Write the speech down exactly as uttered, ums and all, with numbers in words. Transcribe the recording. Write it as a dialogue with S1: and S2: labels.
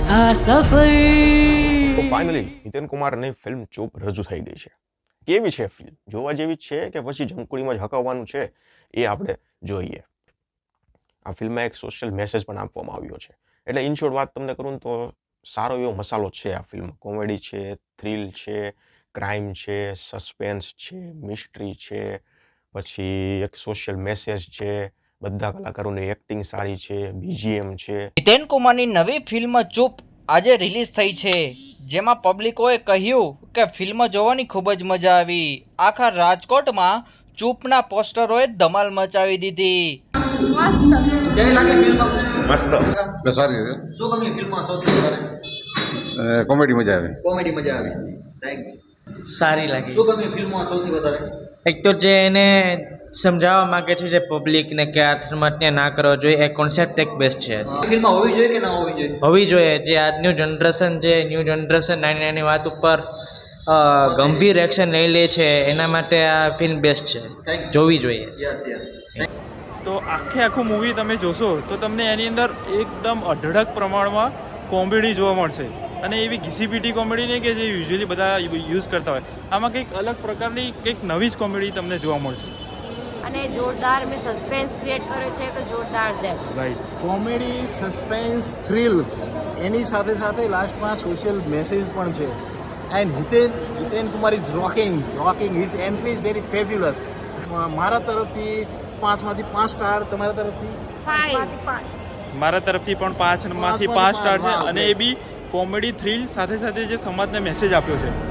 S1: આ સફર
S2: તો ફાઇનલી હિતેન કુમારની ફિલ્મ ચૂપ રજૂ થઈ ગઈ છે. કેવી છે ફિલ્મ? જોવા જેવી જ છે કે પછી જંકુડીમાં જ હકાવવાનું છે એ આપણે જોઈએ. આ ફિલ્મમાં એક સોશિયલ મેસેજ પણ આપવામાં આવ્યો છે. એટલે ઇન શોર્ટ વાત તમને કરું તો સારો એવો મસાલો છે આ ફિલ્મ. કોમેડી છે, થ્રિલ છે, ક્રાઇમ છે, સસ્પેન્સ છે, મિસ્ટ્રી છે, પછી એક સોશિયલ મેસેજ છે, બધા કલાકારોની એક્ટિંગ સારી છે, બીજીએમ છે.
S3: હિતેન કુમારની નવી ફિલ્મ ચૂપ આજે રિલીઝ થઈ છે, જેમાં પબ્લિકોએ કહ્યું કે ફિલ્મ જોવાની ખૂબ જ મજા આવી. આખા રાજકોટમાં ચૂપના પોસ્ટરોએ ધમાલ મચાવી દીધી.
S4: કેવી લાગે ફિલ્મ?
S2: મસ્ત.
S5: એટલે સારી છે.
S4: શું ગમ્યું ફિલ્મમાં સૌથી વધારે?
S5: અ, કોમેડી મજા આવે.
S4: કોમેડી મજા આવી. થેન્ક્સ.
S6: સારી લાગી.
S4: શું ગમ્યું ફિલ્મમાં સૌથી વધારે?
S6: એક તો જે એને સમજાવવા માંગે છે જે પબ્લિકને કે આત્મહત્યા ના કરવો જોઈએ, એ કોન્સેપ્ટ એક બેસ્ટ છે.
S4: અ, ફિલ્મમાં હોવી જોઈએ કે ના હોવી જોઈએ?
S6: હોવી જોઈએ. જે આજનું જનરેશન જે ન્યૂ જનરેશન નાની નાની વાત ઉપર અ, ગંભીર એક્શન લઈ લે છે, એના માટે આ ફિલ્મ બેસ્ટ છે, જોવી જોઈએ.
S4: Yes yes.
S7: તો આખે આખું મૂવી તમે જોશો તો તમને એની અંદર એકદમ અઢળક પ્રમાણમાં કોમેડી જોવા મળશે. અને એવી ઘીસીપીટી કોમેડી નહીં કે જે યુઝ્યુઅલી બધા યુઝ કરતા હોય. આમાં કંઈક અલગ પ્રકારની કંઈક નવી જ કોમેડી તમને જોવા મળશે.
S8: અને જોરદાર મેં સસ્પેન્સ ક્રિએટ કર્યો છે કે જોરદાર છે.
S7: રાઈટ.
S9: કોમેડી, સસ્પેન્સ, થ્રિલ, એની સાથે સાથે લાસ્ટમાં સોશિયલ મેસેજ પણ છે. And Hiten Hiten Kumar is rocking rocking his entry is very fabulous. મારા તરફથી પાંચમાંથી પાંચ સ્ટાર, તમારા તરફથી
S8: ફાઇવ.
S7: મારા તરફથી પણ પાંચ માંથી પાંચ સ્ટાર છે. અને એ બી કોમેડી થ્રિલ સાથે સાથે જે સમાજને મેસેજ આપ્યો છે